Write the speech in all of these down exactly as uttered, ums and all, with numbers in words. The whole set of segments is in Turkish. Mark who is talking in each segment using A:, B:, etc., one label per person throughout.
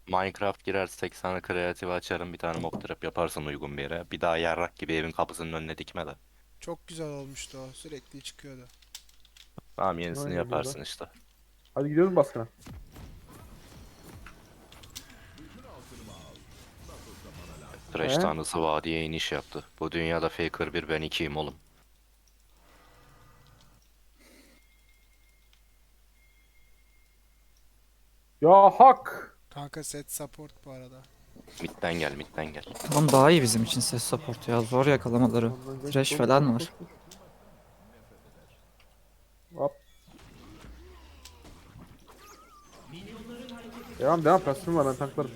A: Minecraft girersek sana kreatif açarım, bir tane mob trap yaparsın uygun bir yere. Bir daha yarrak gibi evin kapısının önüne dikme de.
B: Çok güzel olmuştu o. Sürekli çıkıyordu.
A: Tamam, yenisini
C: Aynen burada.
A: yaparsın işte.
C: Hadi gidiyoruz baskına.
A: Thresh
C: He?
A: tanrısı vadiye iniş yaptı. Bu dünyada Faker bir, ben ikiyim oğlum.
C: Ya hak.
B: Kanka set support bu arada.
A: Midden gel, midden gel.
D: Tamam, daha iyi bizim için ses support ya. Zor yakalamaları.
C: Ondan geç,
D: Trash
C: koş koş
D: falan
C: koş
D: var.
C: koş. Hop. Devam devam, pasifim var, ben tanklarım.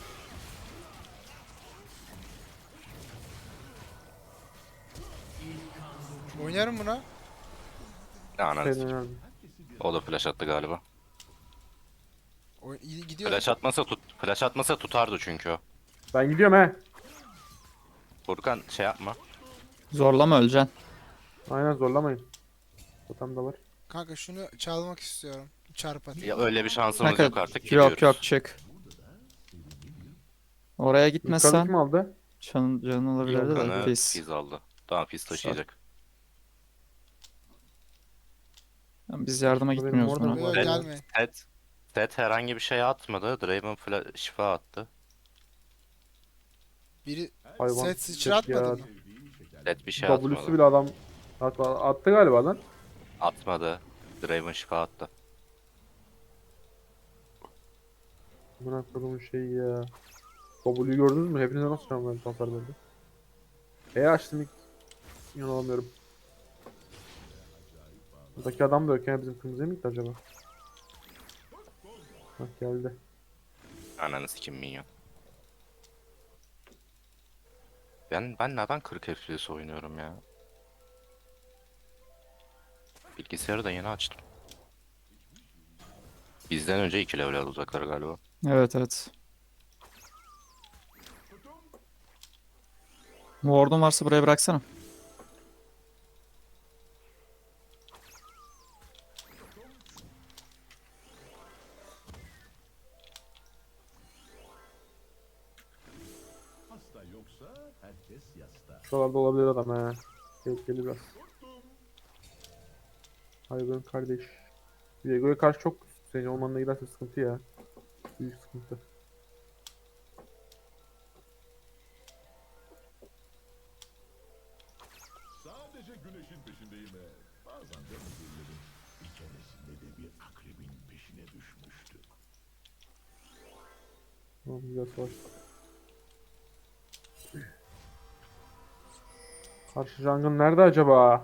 B: Oynarım buna.
A: Ne ananı
C: Senin
A: sikeyim.
C: önemli.
A: O da flash attı galiba.
B: Oy iyi gidiyor.
A: Flash atmasa tut, flash atmasa tutardı çünkü o.
C: Ben gidiyorum he.
A: Furkan şey yapma.
D: Zorlama, öleceksin.
C: Aynen, zorlamayın. Totem da var.
B: Kanka şunu çalmak istiyorum. Çarp atayım.
A: Ya öyle bir şansımız
D: Kanka
A: yok artık,
D: yok
A: gidiyoruz.
D: yok, çık. Oraya
C: Yukarıdaki
D: gitmesen
C: kim aldı?
D: canın, canın olabilirdi de
A: Furkan'ı
D: pis.
A: Fizz aldı. Tamam, Fizz taşıyacak.
D: Yani biz yardıma
C: Benim
D: gitmiyoruz
C: orada
D: buna.
C: mı
B: Yok
C: var
A: Set,
C: ya?
B: gelmeyin.
A: set, set herhangi bir şey atmadı. Draven fla şifa attı.
B: Biri
C: Hayvan.
B: set sıçratmadı
C: ya.
B: mı?
A: Set bir şey
C: W'su
A: atmadı.
C: bile adam attı, attı galiba lan.
A: Atmadı. Draven şifa attı.
C: Buna kodumun şeyi ya. W'yu gördünüz mü? Hepinize nasıl şu an ben hasar verdi? E açtım ilk. İnanamıyorum. Buradaki adam da yok ya, bizim kırmızıya mı gitti acaba? Bak geldi.
A: Ananı sikim minyon. Ben, ben neden kırk F P S oynuyorum ya? Bilgisayarı da yeni açtım. Bizden önce iki level alacaklar galiba.
D: Evet evet. Ward'un varsa buraya bıraksana.
C: Şuralarda olabilir adam he. Tehlikeli biraz. Hayvan kardeş. Diego'ya karşı çok senin olmanına giderse sıkıntı ya. Büyük sıkıntı.
E: Sadece güneşin peşindeyim ve bazen de müdürlerin bir keresinde de bir akrebin peşine düşmüştü.
C: Tamam, güzel savaş. Karşı jungle nerede acaba?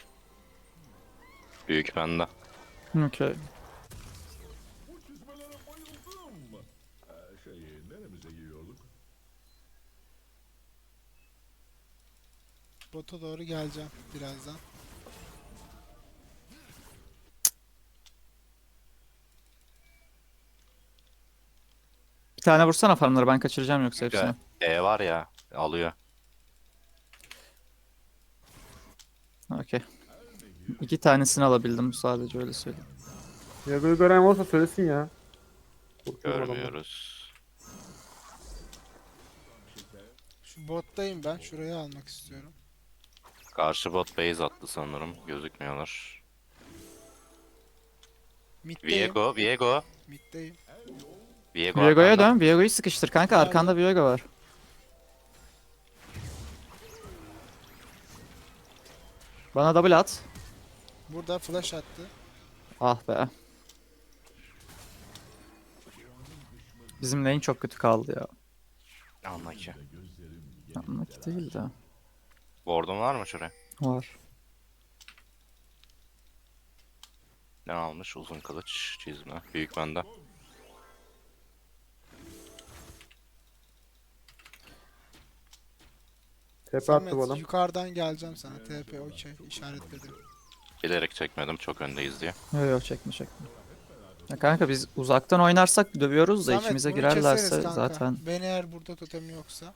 A: Büyük bende.
D: Okey.
E: Bu çizmelere bayıldım. Ee, şey, neremize giyiyorduk?
B: Bota doğru geleceğim birazdan.
D: Bir tane vursana farmları, ben kaçıracağım yoksa hepsini.
A: E var ya, alıyor.
D: Okey. İki tanesini alabildim sadece, öyle söyleyeyim.
C: Diego'yu gören olursa söylesin ya. Korkuyorum adamdan.
A: Görmüyoruz.
B: Şu bottayım ben. Şurayı almak istiyorum.
A: Karşı bot base attı sanırım. Gözükmüyorlar.
B: Mid'deyim.
A: Viego, Viego.
B: Mid'deyim.
A: Viego
D: Viego'ya
A: arkanda.
D: dön. Viego'yu sıkıştır kanka.
B: Nerede?
D: Arkanda Viego var. Bana double at.
B: Burada flash attı.
D: Ah be. Bizim lane çok kötü kaldı ya.
A: Anla ki.
D: Anlık değil de.
A: Ward'un var mı şuraya?
D: Var.
A: Ne almış? Uzun kılıç, çizme. Büyük bende.
C: Tepe attı bu
B: Samet
C: adam.
B: yukarıdan geleceğim sana. T P okey işaretledim.
A: Bilerek çekmedim, çok öndeyiz diye.
D: Yok yok, çekme çekme. Ya kanka biz uzaktan oynarsak dövüyoruz da
B: Samet
D: içimize
B: bunu
D: girerlerse
B: keseriz kanka.
D: zaten.
B: Ben eğer burada totem yoksa.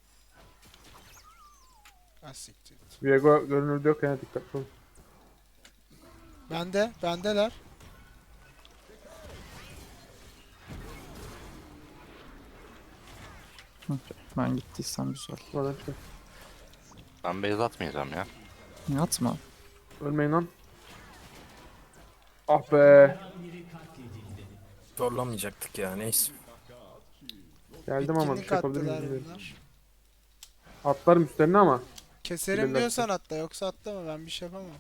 B: Ah siktir.
C: Viego görünürde yok yani, dikkatli olun.
B: Bende, bendeler.
D: Ben gittiysem güzel.
C: Buradan çıkın.
A: Ben base atmayacağım ya.
D: Yatma.
C: Ölmeyin lan. Ah be.
F: Zorlamayacaktık ya neyse.
C: Geldim ama bir
B: Bitkinlik
C: şey yapabilir
B: attılar
C: miyim?
B: bunlar.
C: Atlarım üstlerine ama.
B: Keserim
C: Bilirler.
B: diyorsan atla, yoksa atlama, ben bir şey yapamam.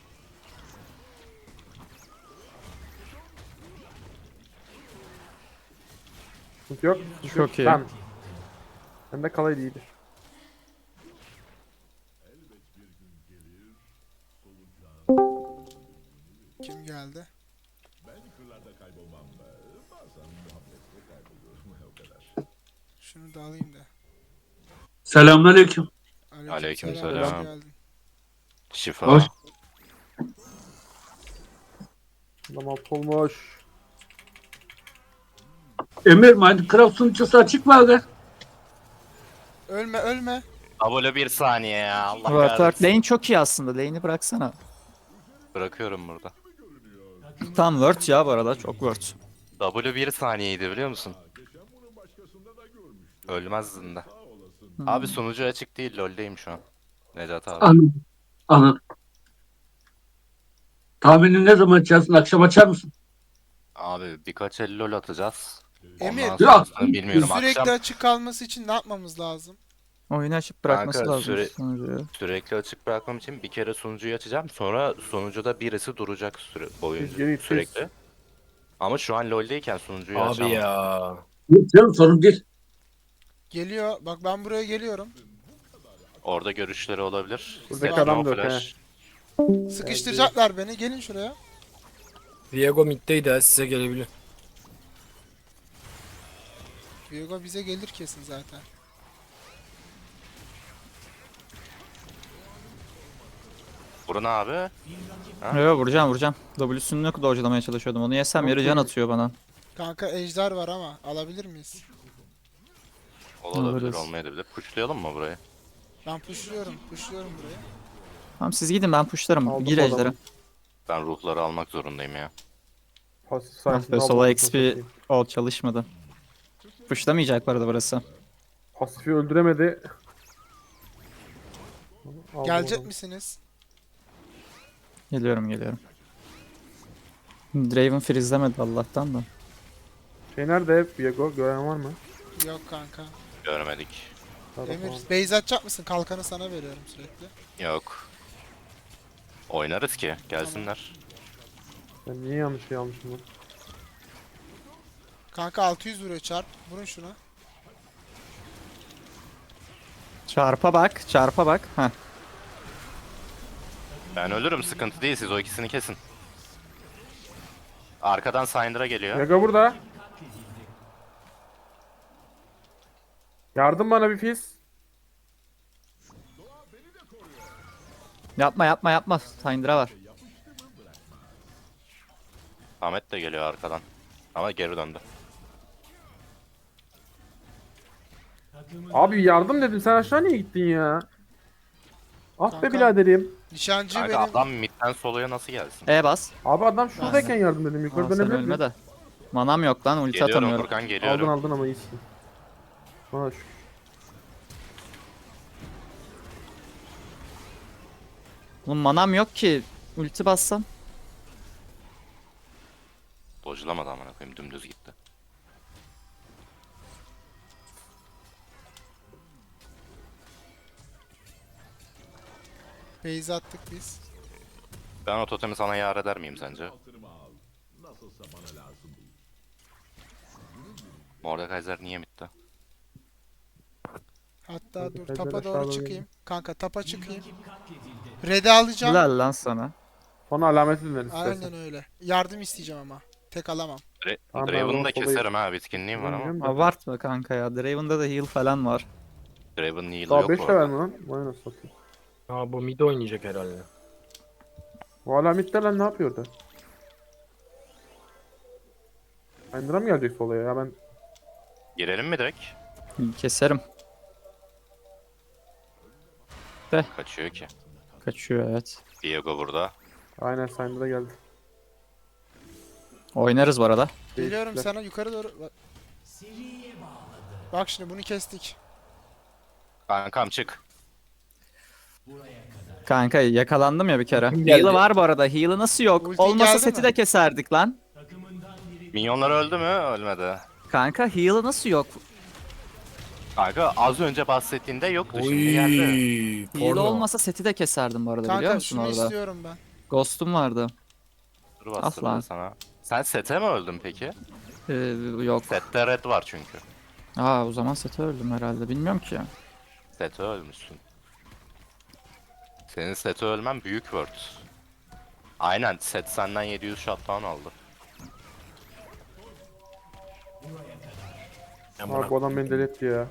C: Sıkıntı yok. sıkıntı
D: Çok
C: yok.
D: iyi.
C: Tamam. Ben de kalaydı iyidir.
B: Kim geldi?
E: Ben kırlarda kaybolmam. Bazen muhabbette kayboluyorum. O kadar.
B: Şunu da alayım da.
G: Selamünaleyküm.
A: Aleykümselam.
B: hoş geldin.
A: Şifa.
G: Hoş.
C: Adam alt olmuş.
G: Emir Minecraft sunucusu açık mı aga?
B: Ölme ölme.
A: Abone bir saniye ya. Allah
D: Work work.
A: kahretsin.
D: Lane çok iyi aslında. Lane'i bıraksana.
A: Bırakıyorum burada.
D: Tam word ya bu arada. Çok word.
A: W bir saniyeydi biliyor musun? Ölmezdin de.
D: Hmm.
A: Abi sunucu açık değil, LoL'deyim şu an. Necat abi.
G: Anladım. Anladım. Tahmini ne zaman açarsın? Akşam açar mısın?
A: Abi birkaç el LoL atacağız.
B: Emir,
A: Ondan sonrasını
G: Ya,
A: bilmiyorum.
B: Sürekli
A: Akşam
B: açık kalması için ne yapmamız lazım?
D: Oyunu açıp bırakması
A: Kanka,
D: lazım
A: süre-
D: sunucuyu.
A: sürekli açık bırakmam için bir kere sunucuyu açacağım. Sonra sunucuda birisi duracak süre
C: Biz
A: boyunca
C: geri
A: sürekli. Ama şu an LoL'deyken sunucuyu
F: Abi
A: açamam.
F: ya.
G: Yok canım sorun değil.
B: Geliyor. Bak ben buraya geliyorum.
A: Orada görüşleri olabilir.
C: Buradaki
A: Set
C: adam
A: no
C: da yok,
A: flash.
B: Sıkıştıracaklar beni. Gelin şuraya.
F: Viego middeydi ha size gelebilir.
B: Viego bize gelir kesin zaten.
A: Vurun abi. Ha?
D: Yo vuracağım vuracağım. W'sünü dodge'lamaya çalışıyordum. Onu yesem yarı can atıyor bana.
B: Kanka ejder var ama alabilir miyiz?
A: Olabilir,
D: Alırız.
A: olmayabilir. Pushlayalım mı burayı?
B: Ben pushluyorum. Pushluyorum burayı.
D: Tamam siz gidin ben pushlarım.
C: Aldım
D: Gir
C: bu
D: ejder'e.
C: adamı.
A: Ben ruhları almak zorundayım ya.
C: Pasif
D: Ah
C: sayesinde
D: be
C: aldım
D: sola
C: anasını
D: X P
C: satayım.
D: ol çalışmadı. Pushlamayacak bu arada burası.
C: Pasifi öldüremedi. Aldım
B: Gelecek
C: adamı.
B: misiniz?
D: Geliyorum geliyorum. Draven freezelemedi Allah'tan da.
C: Şey nerede? Viego gören var mı?
B: Yok kanka.
A: Görmedik.
C: Sağda
B: Emir
C: falan.
B: base atacak mısın? Kalkanı sana veriyorum sürekli.
A: Yok. Oynarız ki. Gelsinler.
C: Ben niye yanlış şey almışım lan?
B: Kanka altı yüz vuruyor çarp. Vurun şuna.
D: Çarpa bak çarpa bak. Heh.
A: Ben ölürüm, sıkıntı değil, siz o ikisini kesin. Arkadan Syndra geliyor.
C: Viego burada. Yardım bana bir fiz.
D: Yapma yapma yapma. Syndra var.
A: Ahmet de geliyor arkadan. Ama geri döndü.
C: Abi yardım dedim, sen aşağı niye gittin ya? Ah be
B: Kanka.
C: biraderim.
B: Nişancı
A: Kanka
B: benim.
A: adam midden soloya nasıl gelsin?
D: E bas.
C: Abi adam şuradayken yardım dedim, yukarı
D: Aa, sen
C: dönebilir
D: ölme
C: miyim?
D: de. Manam yok lan ulti
A: Geliyorum
D: atamıyorum.
A: Furkan,
C: Aldın
A: geliyorum.
C: aldın ama iyisin. Bana şu.
D: Oğlum manam yok ki. Ulti bassam.
A: Dojlamadı amına koyayım, dümdüz gitti.
B: Base attık biz.
A: Ben o totemi sana yar eder miyim sence?
E: Hatırımı al. Nasılsa bana lazım değil.
A: Mordekaiser niye bitti?
B: Hatta
C: Kanka,
B: dur
C: Kaiser
B: tapa doğru
C: aşağıda
B: çıkayım. Kanka tapa çıkayım. Red'i alacağım.
D: Helal lan sana.
C: Sonra alameti verin istersen.
B: Aynen öyle. Yardım isteyeceğim ama. Tek alamam.
A: Dra
C: Tamam, ben
A: Draven'ı da
C: onu solayım.
A: keserim ha, bitkinliğim var ama.
C: Bilmiyorum da.
D: Abartma kanka ya. Draven'da da heal falan var.
A: Draven'ın heal'ı
C: Daha
A: yok
C: beş
A: bu
C: level
A: arada.
C: mi lan? Vay nasıl satayım.
F: Aa bu mid oynayacak herhalde.
C: Bu hala midde lan, ne yapıyor orada? Syndra mı gelecek solaya ya, ben
A: Girelim mi direkt?
D: Keserim.
A: Kaçıyor ki.
D: Kaçıyor evet.
A: Viego burada.
C: aynen Syndra geldi.
D: Oynarız bu arada.
B: Geliyorum
C: Değişikler.
B: sana yukarı doğru. Bak. Bak şimdi bunu kestik.
A: Kankam çık.
D: Kanka yakalandım ya bir kere.
F: Kim geldi?
D: Heal'ı var bu arada. Heal'ı nasıl yok?
B: Ulti
D: Olmasa
B: geldi
D: seti
B: mi?
D: de keserdik lan.
A: Minyonlar öldü mü? Ölmedi.
D: Kanka heal'ı nasıl yok?
A: Kanka az önce bahsettiğinde yoktu şimdi geldi.
F: Oy.
D: Heal
F: Porno.
D: olmasa seti de keserdim bu arada biliyor
B: Kanka
D: musun
B: şunu
D: orada?
B: istiyorum ben.
D: Ghost'um vardı.
A: Dur bastırıyor
D: Aslan.
A: sana. Sen sete mi öldün peki?
D: Ee, yok.
A: Sette red var çünkü.
D: Aa o zaman sete öldüm herhalde. Bilmiyorum ki.
A: Sete ölmüşsün. Senin sete ölmen büyük word. Aynen set senden yedi yüz shutdown aldı.
F: Amına
C: Abi bu adam beni deli etti ya.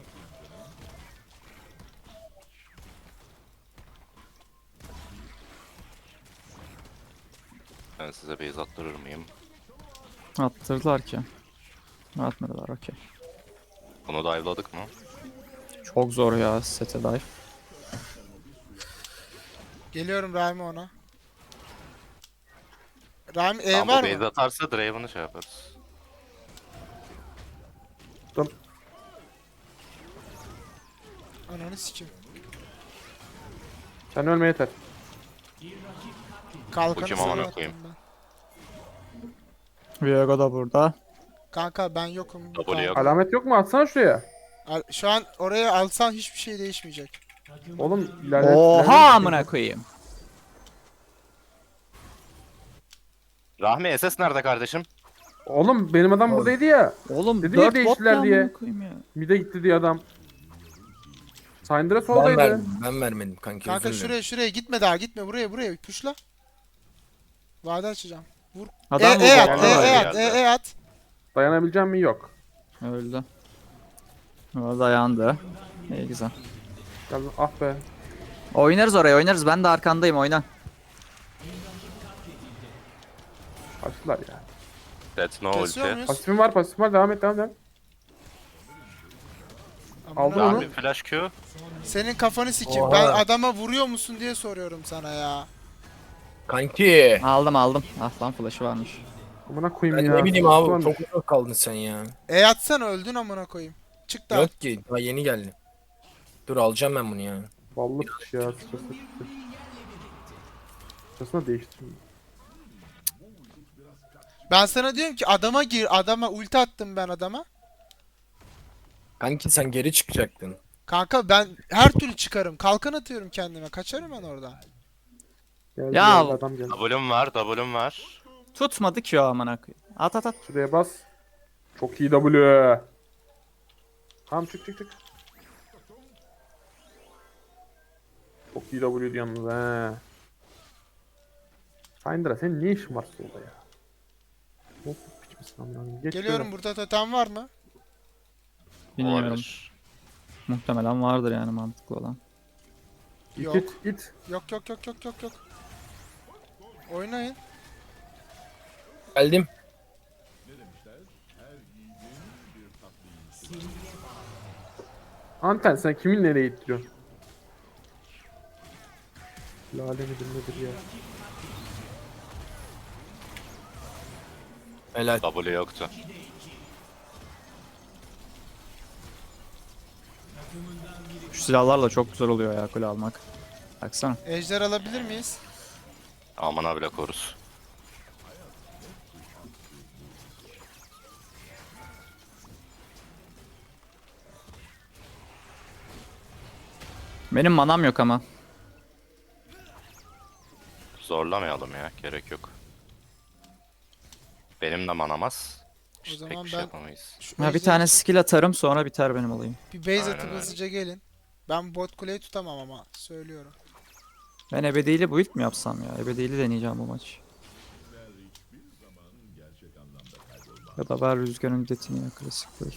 A: Ben size base attırır mıyım?
D: Attırdılar ki. Atmadılar okey.
A: Bunu dive'ladık mı?
D: Çok zor ya sete dive.
B: Geliyorum Rahmi ona. Rahmi E
A: Tamam,
B: var
A: bu base
B: mı?
A: atarsa Draven'ı şey yaparız.
B: Ananı sikim.
C: Sen ölme yeter.
B: Kalkanı
A: Ucum
B: sana
A: amına
B: attım
A: koyayım.
B: ben.
D: Viego da burada.
B: Kanka ben yokum. bu
A: W
B: kalkan.
A: yok.
C: Alamet yok mu? Atsana şuraya.
B: Al- Şu an oraya alsan hiçbir şey değişmeyecek.
C: Oğlum ilerle.
D: Oha
C: ilerle-
D: amına koyayım.
A: Rahmi S S nerede kardeşim?
C: Oğlum benim adam buradaydı ya.
D: Oğlum
C: Dedi ya
D: dört bot
C: değiştiler
D: ya
C: diye.
D: amına koyayım ya.
C: Mide gitti diye adam. Syndra
F: Ben
C: soldaydı.
F: vermedim. Ben vermedim kanki.
B: Kanka
F: özür dilerim.
B: şuraya şuraya gitme daha gitme buraya buraya puşla. Vade açacağım. Vur.
D: Adam
B: e,
D: bu
B: e at,
D: botta
B: e,
A: var
B: e
A: ya.
B: at, e, e at.
C: Dayanabileceğim mi? Yok.
D: Öldü. O dayandı. İyi güzel.
C: Gel, ah be.
D: Oynarız oraya oynarız. Ben de arkandayım oyna.
C: Kaçtılar ya.
A: Set no
B: Kesiyor
A: ulti.
B: muyuz?
C: Pasifim var, pasifim var. Devam et, devam et.
B: Amına
C: Aldın
B: koyayım.
C: onu.
A: Rahmi flash Q.
B: Senin kafanı sikeyim.
F: Oha.
B: Ben adama vuruyor musun diye soruyorum sana ya.
F: Kanki.
D: Aldım aldım. Ah lan flash'ı varmış.
C: Amına koyayım
F: Ben
C: ya.
F: ne bileyim
C: Ulan,
F: abi. Çok uzak kaldın sen ya.
B: E atsana öldün amına koyayım. Çık da.
F: Yok ki. Daha yeni geldi. Dur alacağım ben bunu ya.
C: Vallahi piç ya. Sıçrası çıktı. Sıçrasına değiştireyim.
B: Ben sana diyorum ki adama gir. Adama ulti attım ben adama.
F: Kanki sen geri çıkacaktın.
B: Kanka ben her türlü çıkarım. Kalkan atıyorum kendime. Kaçarım ben oradan.
C: Geldi,
D: Ya-
C: geldi, adam geldi.
A: W'm var, W'm var.
D: Tutmadı ki o amına koyayım. At at at.
C: Şuraya bas. Çok iyi W. Tamam çık çık çık. Çok iyi W'ydu yalnız he. Syndra senin ne işin var solda ya? Çok piç misin amına koyayım? Geç
B: Geliyorum, burada totem var mı?
D: Bilmiyorum.
A: Olabilir.
D: Muhtemelen vardır yani mantıklı olan.
C: şöyle.
B: Yok.
C: İt it it.
B: Yok yok yok yok yok yok. Oynayın.
F: Geldim.
C: Anten sen kimin nereye ittiriyorsun? Lale midir nedir ya?
F: Helal.
A: W yoktu.
D: Şu silahlarla çok güzel oluyor ya kule almak. Baksana.
B: Ejder alabilir miyiz?
A: Aman bile koruz.
D: Benim manam yok ama.
A: Zorlamayalım ya, gerek yok. Benim de manamaz.
B: O
A: İşte
B: zaman
A: pek bir şey
B: ben-
A: yapamayız.
B: Şu
D: Ha bir
B: ejderi-
D: tane skill atarım sonra biter benim olayım.
B: Bir base
A: Aynen
B: atıp
A: öyle.
B: hızlıca gelin. Ben bot kuleyi tutamam ama söylüyorum.
D: Ben ebediyle build mi yapsam ya? Ebediyle deneyeceğim bu maç. Ya da ver rüzgarın müddetini ya klasik build.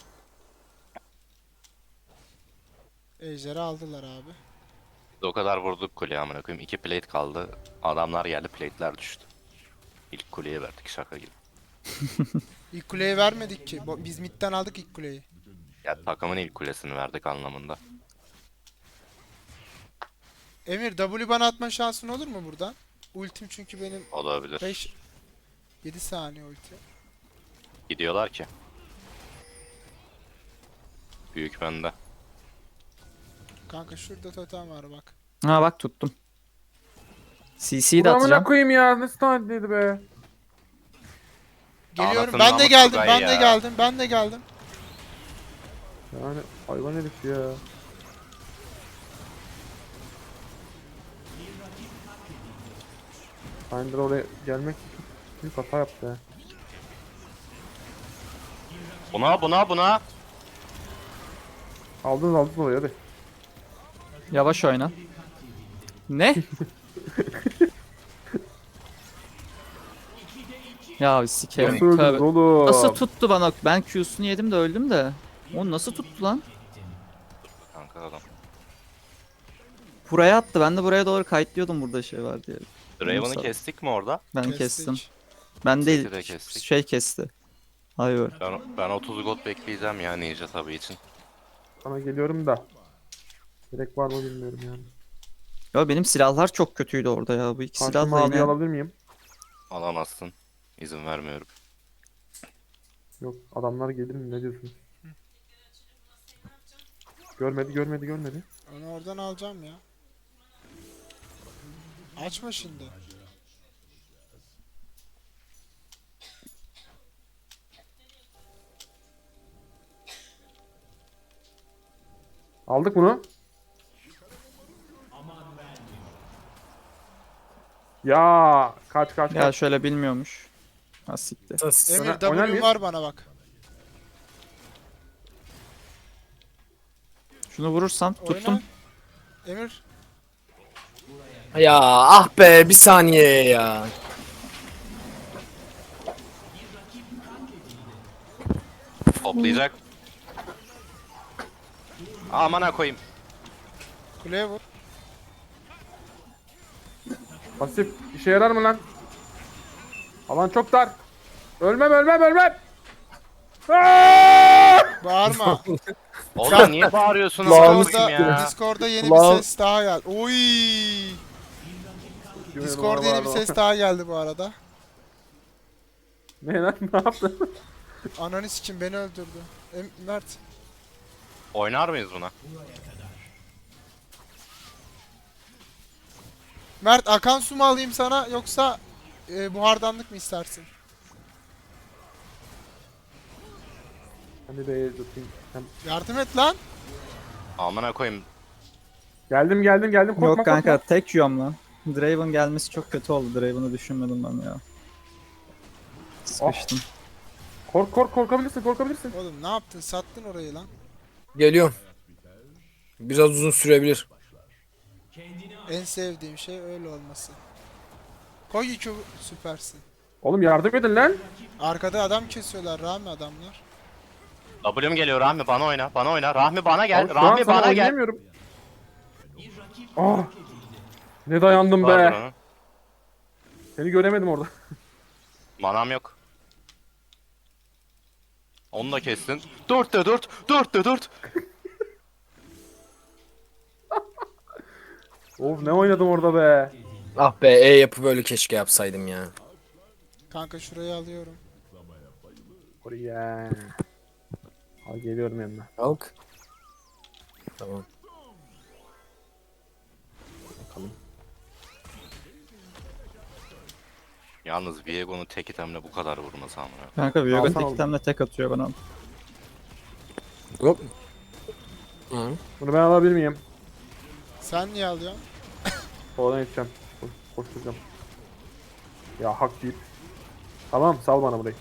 B: Ejder'i aldılar abi.
A: Biz o kadar vurduk kuleye amına koyayım. İki plate kaldı. Adamlar geldi, plate'ler düştü. İlk kuleye verdik şaka gibi.
B: İlk kuleyi vermedik ki. Bo- Biz midden aldık ilk kuleyi.
A: Ya takımın ilk kulesini verdik anlamında.
B: Emir W bana atma şansın olur mu buradan? Ultim çünkü benim
A: Olabilir.
B: beş yedi saniye ulti.
A: Gidiyorlar ki. Büyük bende.
B: Kanka şurada totem var bak.
D: Ha bak tuttum. C C'yi de
C: Bunu amına
D: atacağım.
C: koyayım ya. Nasıl tanıdıydı be?
B: Geliyorum.
A: Anasını
B: Ben de
A: namık
B: geldim.
A: Tugay
B: Ben de
A: ya.
B: geldim. Ben de geldim.
C: Yani hayvan herif ya. Finder oraya gelmek için büyük hata yaptı ya.
A: Buna buna buna.
C: Aldınız aldınız oraya hadi.
D: Yavaş oyna. Ne? Ya sikerim.
C: Nasıl öldünüz
D: Tövbe.
C: oğlum?
D: Nasıl tuttu bana? Ben Q'sunu yedim de öldüm de. O nasıl tuttu lan?
A: Kanka adam.
D: Buraya attı. Ben de buraya doğru kayıtlıyordum burada şey var diye.
A: Draven'ı
D: Sağ-
A: kestik mi orada?
D: Ben
B: Kestik.
D: kestim. Ben değil.
A: de kestik.
D: Şey kesti. Hayır.
A: Ben, ben otuz gold bekleyeceğim ya Ninja tabi için.
C: Sana geliyorum da. Gerek var mı bilmiyorum yani.
D: Ya benim silahlar çok kötüydü orada ya. Bu iki
C: Karşıma
D: silahla
C: abi
D: yine.
C: alabilir miyim?
A: Alamazsın. İzin vermiyorum.
C: Yok adamlar gelir mi ne diyorsun? Görmedi görmedi görmedi.
B: Onu oradan alacağım ya. Açma şimdi.
C: Aldık bunu. Ya kaç kaç
D: Ya
C: kaç.
D: şöyle bilmiyormuş. Ha siktir.
F: Sus.
B: Emir
C: Oynar- oynar
B: W'm
C: mıyız?
B: var bana bak.
D: Şunu vurursam tuttum.
B: Oyna. Emir.
F: Ya ah be bir saniye ya.
A: Toplayacak. Amana koyayım.
B: Kuleye vur.
C: Pasif işe yarar mı lan? Alan çok dar. Ölmem ölmem ölmem. Aaaa!
B: Bağırma.
A: Oğlum niye bağırıyorsunuz
F: Lan
A: Discord'da
B: Discord'da, Discord'da yeni
F: Lan.
B: bir ses daha geldi. Oy! Discord'da yeni bir ses daha geldi bu arada.
C: Ne lan ne yaptın?
B: Ananı sikim beni öldürdü. Em Mert.
A: Oynar mıyız buna?
B: Mert akan su mu alayım sana yoksa e, buhardanlık mı istersin?
C: Hadi be tutayım. Sen-
B: Yardım et lan.
A: Amana koyayım.
C: Geldim geldim geldim korkma
D: Yok kanka
C: korkma.
D: tek yiyorum lan. Draven gelmesi çok kötü oldu. Draven'ı düşünmedim ben ya. Sıkıştım.
C: Kork kork korkabilirsin korkabilirsin.
B: Oğlum ne yaptın? Sattın orayı lan.
F: Geliyorum. Biraz uzun sürebilir.
B: En sevdiğim şey öyle olması. Koy iki süpersin.
C: Oğlum yardım edin lan.
B: Arkada adam kesiyorlar Rami adamlar.
A: W'm geliyor Rahmi bana oyna. Bana oyna. Rahmi bana gel.
C: Abi şu an
A: Rahmi
C: sana
A: bana gel.
C: oynayamıyorum. Ah! Ne dayandım
A: Pardon
C: be.
A: onu.
C: Seni göremedim orada.
A: Manam yok. Onu da kestin. dörtte dört. dörtte dört.
C: Of ne oynadım orada be.
F: Ah be E yapı böyle keşke yapsaydım ya.
B: Kanka şurayı alıyorum.
C: Oraya. Al geliyorum yanına.
F: Kalk. Tamam.
A: Yalnız Viego'nun tek itemle bu kadar vurması amına.
D: Kanka Viego
C: Alsana
D: tek
C: oğlum.
D: itemle tek atıyor bana.
F: Hop. Hı.
C: Bunu ben alabilir miyim?
B: Sen niye alıyorsun?
C: Oradan gideceğim. Koş, koşturacağım. Ya hak deyip. Tamam sal bana burayı.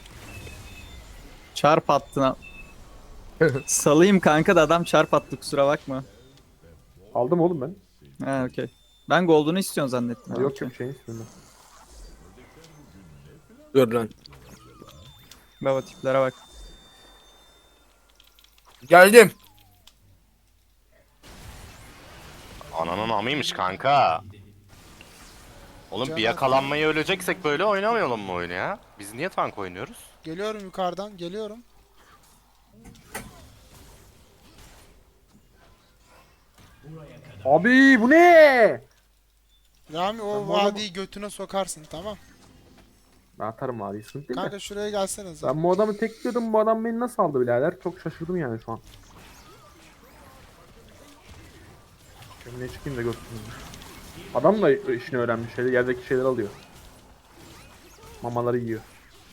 D: Çarp attın. Salayım kanka da adam çarp attı kusura bakma.
C: Aldım oğlum ben.
D: Ha okey. Ben Gold'unu istiyorsun zannettim.
C: Ha,
D: Ha,
C: yok
D: okey.
C: yok şeyin istiyorum
F: Dur lan.
D: Baba tiplere bak.
F: Geldim.
A: Ananın amıymış kanka. Oğlum
B: Canım.
A: bir yakalanmayı öleceksek böyle oynamayalım mı oyunu ya? Biz niye tank oynuyoruz?
B: Geliyorum yukarıdan geliyorum.
C: ben. Abi bu ne?
B: Rami o
C: Ben bu adamı-
B: vadiyi götüne sokarsın tamam.
C: Ben atarım abi sıkıntı değil de.
B: Kanka şuraya gelsenize.
C: Ben bu adamı tekliyordum bu adam beni nasıl aldı birader? Çok şaşırdım yani şu an. Önüne çıkayım da görsün. Adam da işini öğrenmiş. Şeyde, yerdeki şeyleri alıyor. Mamaları yiyor.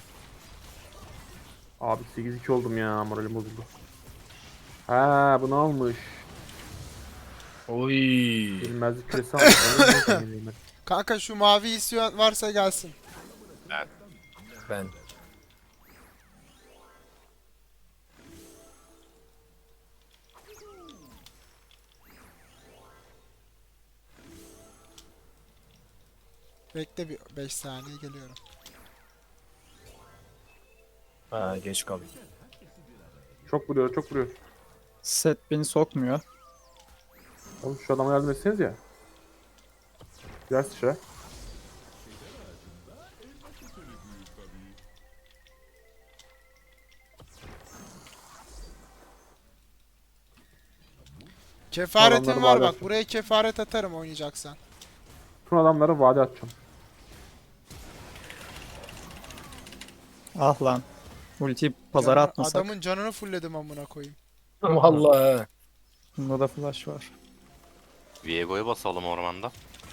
C: Abi sekiz iki oldum ya. Moralim bozuldu. Ha bunu almış.
F: Oy.
C: Bilmezlik küresi almış. Ben de bilmiyorum.
B: Kanka şu mavi istiyor varsa gelsin.
F: Ben.
B: Bekle bir beş saniye geliyorum.
F: Ha geç kaldım.
C: Çok vuruyor, çok vuruyor.
D: Set beni sokmuyor.
C: Oğlum şu adama yardım etseniz ya. Biraz sıçra.
B: Kefaretim
C: Adamları
B: var
C: vade
B: bak.
C: atacağım.
B: Buraya kefaret atarım oynayacaksan.
C: Tüm adamları vade atacağım.
D: Ah lan. Ultiyi pazara
B: Canını-
D: atmasak.
B: Adamın canını fullledim amına koyayım.
F: Vallahi.
D: Bunda da flash var.
A: Viego'yu basalım ormanda.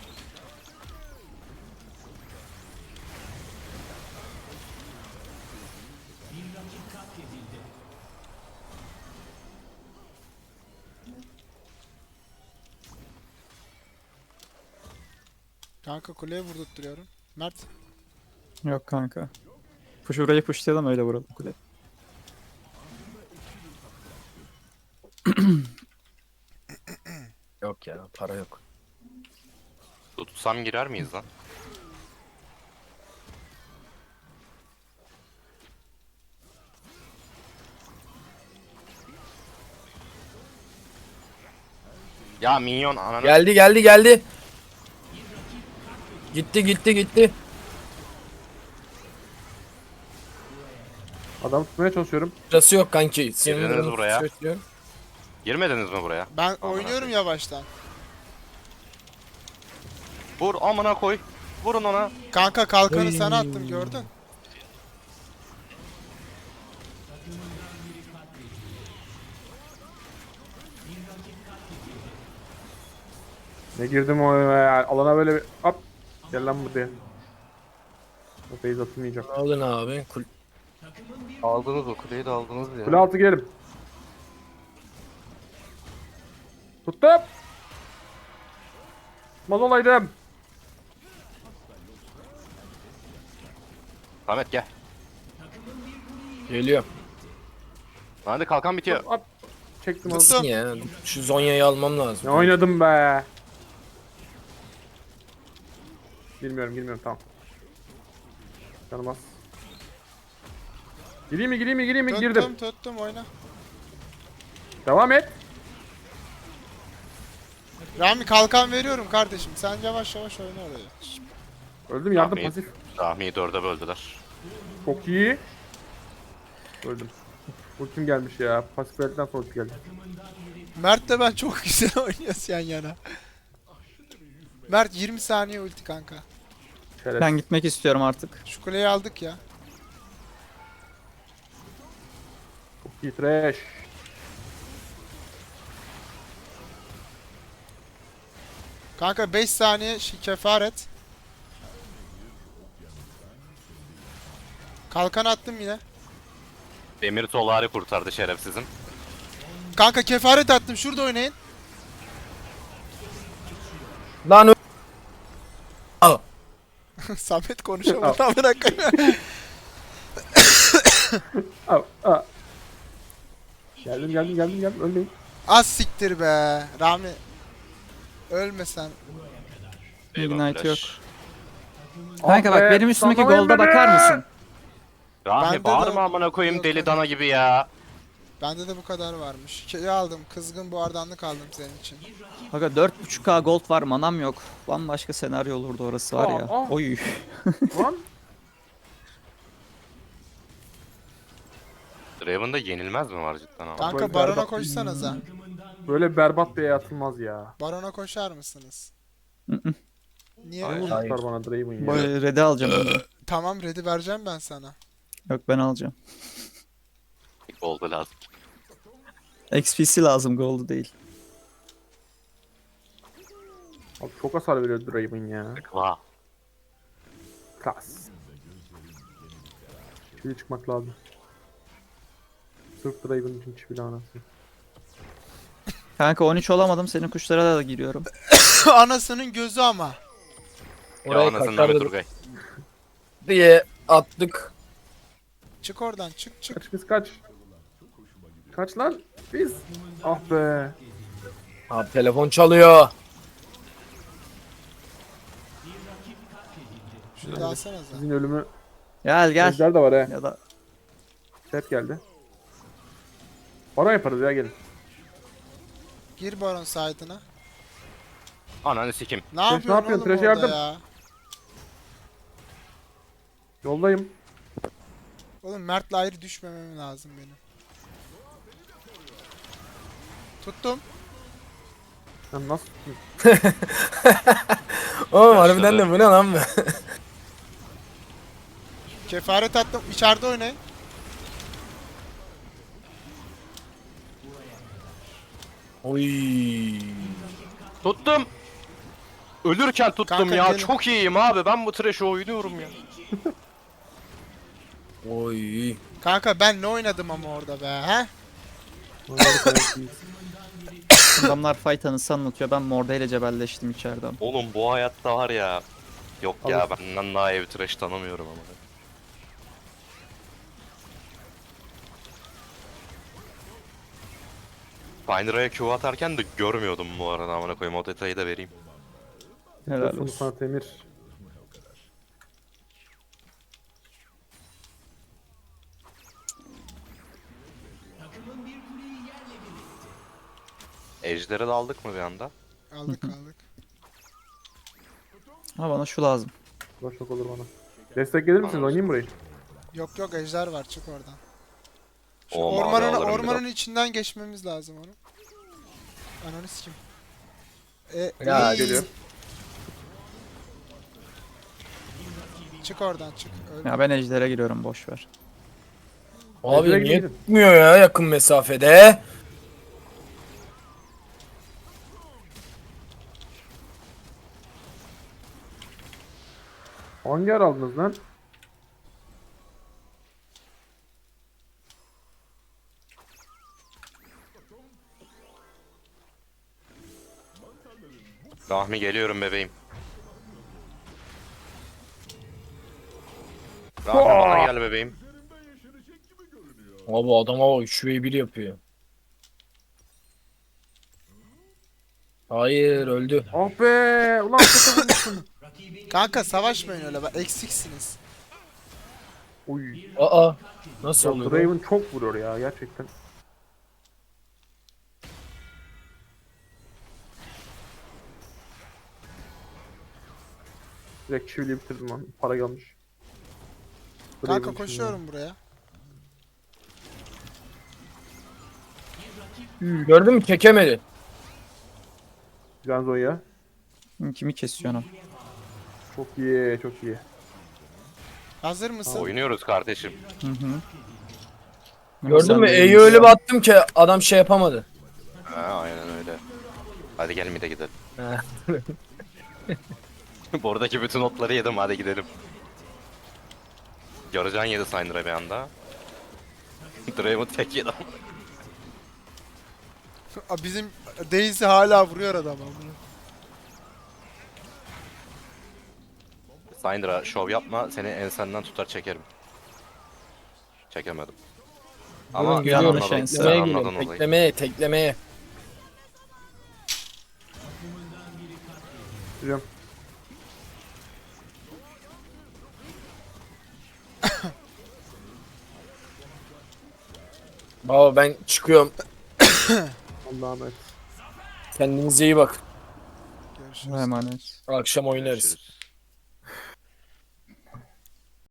B: Kanka kuleye vurdurtturuyorum. Mert.
D: Yok kanka. Push burayı pushlayalım öyle vuralım kule.
F: Yok ya para yok.
A: Tutsam girer miyiz lan? Ya minyon ananı.
F: Geldi geldi geldi. Gitti gitti gitti.
C: Adamı tutmaya çalışıyorum.
F: Sırası yok kanki.
A: Girdiniz
F: Senin
A: buraya.
F: Söylüyor.
A: Girmediniz mi buraya?
B: Ben oynuyorum yavaştan.
A: Vur amına koy. Vurun ona.
B: Kanka kalkanı sana attım gördün.
C: Ne girdim o ya. Alana böyle bir hop. Gel lan buraya. O phase atılmayacak.
F: Aldın abi. Kul
A: Aldınız o kuleyi de aldınız ya.
C: Kule altı girelim. Tuttum. Mal olaydım.
A: Samet gel.
F: Geliyor.
A: Hadi kalkan bitiyor.
C: Hop. Çektim onu.
B: Tuttum.
F: Ya şu Zonya'yı almam lazım.
C: Ne oynadım be. Bilmiyorum girmiyorum tamam. Canım Gireyim mi gireyim mi gireyim mi
B: Tuttum
C: girdim.
B: tuttum oyna.
C: Devam et.
B: Rami kalkan veriyorum kardeşim. Sen yavaş yavaş oyna orayı.
C: Öldüm yardım
A: Rahmi-
C: pasif.
A: Rahmi'yi dörde böldüler.
C: Çok iyi. Öldüm. Ultim gelmiş ya. Pasif verdikten sonra ulti geldi.
B: Mert de ben çok güzel oynuyoruz yan yana. Mert yirmi saniye ulti kanka.
C: Şeref.
D: Ben gitmek istiyorum artık.
B: Şu kuleyi aldık ya.
C: Çok iyi trash.
B: Kanka beş saniye şi- kefaret. Kalkan attım yine.
A: Demir Solari kurtardı şerefsizim.
B: Kanka kefaret attım. Şurada oynayın.
F: Lan ö- Al.
B: Samet konuşamadı. Amına koyayım.
C: Al, al. Geldim geldim geldim geldim ölmeyin.
B: Az siktir be. Rami. Ölmesen.
A: Eyvah,
D: Ignite
A: flash.
D: Kanka bak
C: be,
D: benim üstümdeki
C: sallamayın
D: golda
C: beni.
D: bakar mısın?
A: Rahmi
B: Bende de-
A: bağırma amına koyayım
B: Yok,
A: deli
B: yok.
A: dana gibi ya.
B: Bende de bu kadar varmış. Şeyi aldım. Kızgın buhardanlık aldım senin için.
D: Kanka dört buçuk K gold var manam yok. Bambaşka senaryo olurdu orası var ya.
C: Aa, aa.
D: Oy.
C: Lan.
A: Draven'da yenilmez mi var cidden ama?
B: Kanka
C: Böyle
B: barona
C: berbat-
B: koşsanıza.
C: Böyle berbat bir el atılmaz ya.
B: Barona koşar mısınız?
D: Hı-hı.
B: Niye
C: Aynen
B: öyle?
C: tutar bana Draven ya.
D: Böyle red'i alacağım önce.
B: Tamam ready vereceğim ben sana.
D: Yok ben alacağım.
A: Oldu lazım.
D: X P C lazım gold'u değil.
C: çok hasar veriyor Draven ya.
A: Vah.
C: Klas. Çivili çıkmak lazım. Sırf Draven için çivili anasını.
D: Kanka on üç olamadım. Senin kuşlara da giriyorum.
B: Anasının gözü ama.
A: Ya
F: Oraya
A: anasını
F: kaçar
A: Mehmet
F: da-
A: Turgay.
F: diye attık.
B: Çık oradan çık çık.
C: Kaç biz kaç. Kaç lan biz. Ah be.
F: Abi telefon çalıyor.
B: Şunu da alsanıza.
C: Sizin ölümü.
D: Gel gel.
C: Ejder de var he.
D: Ya da
C: Chat geldi. Para yaparız ya gelin.
B: Gir baron side'ına.
A: Ananı sikim.
B: Ne
C: ne
B: yapıyorsun
C: yapıyorsun?
B: oğlum
C: Trash
B: orada
C: yardım.
B: ya?
C: Yoldayım.
B: Oğlum Mert'le ayrı düşmemem lazım benim. Tuttum.
C: Sen nasıl?
F: Oğlum harbiden de bu ne lan be?
B: Kefaret attım. İçeride oynayın.
F: Oy.
A: Tuttum. Ölürken tuttum
B: Kanka
A: ya.
B: gelin.
A: Çok iyiyim abi. Ben bu trash'ı oynuyorum ya.
F: Oy.
B: Kanka ben ne oynadım ama orada be he?
C: Normalde kaybettiyiz.
D: adamlar fight anısı anlatıyor. Ben Morde ile cebelleştim içeriden.
A: Oğlum bu hayatta var ya. Yok ya
C: Alır.
A: benden daha iyi bir trash tanımıyorum ama. Binder'a Q atarken de görmüyordum bu arada, amına koyayım, o detayı da vereyim.
D: Helal
C: Sonu
D: olsun.
C: sana Temir.
A: Ejder'e de aldık mı bir anda?
B: Aldık aldık.
D: Ha bana şu lazım.
C: Bu da şok olur bana. Destek gelir misiniz?
A: Anladım.
C: Oynayayım burayı.
B: Yok yok ejder var çık oradan. Şu
A: O mavi
B: ormanın
A: alırım
B: ormanın
A: biraz.
B: içinden geçmemiz lazım onu. Ananı sikim. E,
F: Ya,
B: iyi.
C: geliyor.
B: Çık oradan çık. Öyle.
D: Ya ben ejder'e giriyorum boş ver.
F: Abi
C: Ejder'e
F: niye
C: gidin.
F: tutmuyor ya yakın mesafede?
C: Hangi yer aldınız lan?
A: Rahmi geliyorum bebeğim. Rahmi bana gel bebeğim.
F: Abi adama bak üç ve bir yapıyor. Hayır öldü.
C: Ah be! Ulan kötü vurmuşsun.
B: Kanka savaşmayın öyle bak eksiksiniz.
C: Uy.
F: Aa nasıl
C: Ya
F: oluyor? bu?
C: Draven çok vuruyor ya gerçekten. Direkt çiviliyi bitirdim lan. Para gelmiş. Draven
B: Kanka
C: için
B: koşuyorum buraya.
F: Gördün mü çekemedi.
C: ya. Güzel Zonya.
D: Hı, kimi kesiyorsun?
C: Çok iyi, çok iyi.
B: Hazır mısın?
A: Oynuyoruz kardeşim.
D: Hı hı.
F: Gördün
D: Sen
F: mü?
D: de
F: E'yi
D: iyisin.
F: öyle bir attım ki adam şey yapamadı.
A: Ha, aynen öyle. Hadi gel mid'e gidelim.
F: He.
A: Buradaki bütün notları yedim, hadi gidelim. Yarıcan yedi Syndra'a bir anda. Draven tek yedi.
B: Aa, Bizim Daisy hala vuruyor adamı.
A: Syndra şov yapma, seni ensenden tutar çekerim. Çekemedim. Ama
F: Durun, geliyorum.
D: yanlış
A: anladın-
D: ense.
A: sen
F: Teklemeye
A: anladın
F: geliyorum.
A: olayı.
F: Teklemeye, teklemeye.
C: Biliyorum.
F: Baba ben çıkıyorum.
C: Allah'a emanet.
F: Kendinize iyi bak.
B: Görüşürüz.
D: Emanet.
F: Akşam oynarız.
A: Görüşürüz.